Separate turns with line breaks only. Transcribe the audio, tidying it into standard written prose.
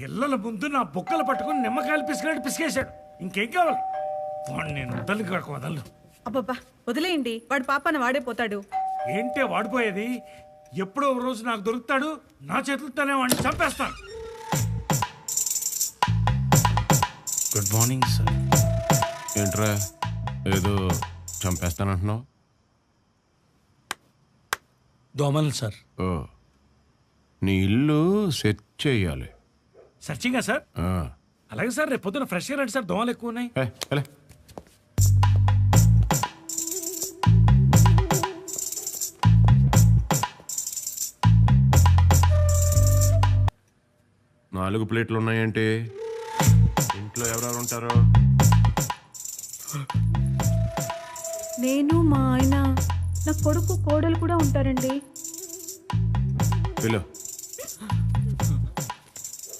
పిల్లల ముందు నా బొక్కలు పట్టుకుని నిమ్మకాయలు పిసికినట్టు పిసికేశాడు. ఇంకేం కావాలి? వాడిని నేను వదలు కాక వదలను.
అబ్బబ్బా వదిలేయండి, వాడు పాపన వాడే పోతాడు.
ఏంటే వాడిపోయేది? ఎప్పుడో ఒక రోజు నాకు దొరుకుతాడు, నా చేతులతోనే వాడిని చంపేస్తాను. Good morning sir.
ఏంట్రా ఏదో చంపేస్తానంటున్నావు?
దోమలు సార్.
ఓ, నీ ఇల్లు సెట్ చేయాలి.
సర్చింగా సార్? అలాగే సార్, రేపు పొద్దున ఫ్రెష్గా రండి సార్, దోమలు ఎక్కువ ఉన్నాయి.
అలే 4 ప్లేట్లు ఉన్నాయంటే ఇంట్లో ఎవరెవరు ఉంటారు?
నేను, మా ఆయన, నా కొడుకు, కోడలు కూడా ఉంటారండి.
పిలు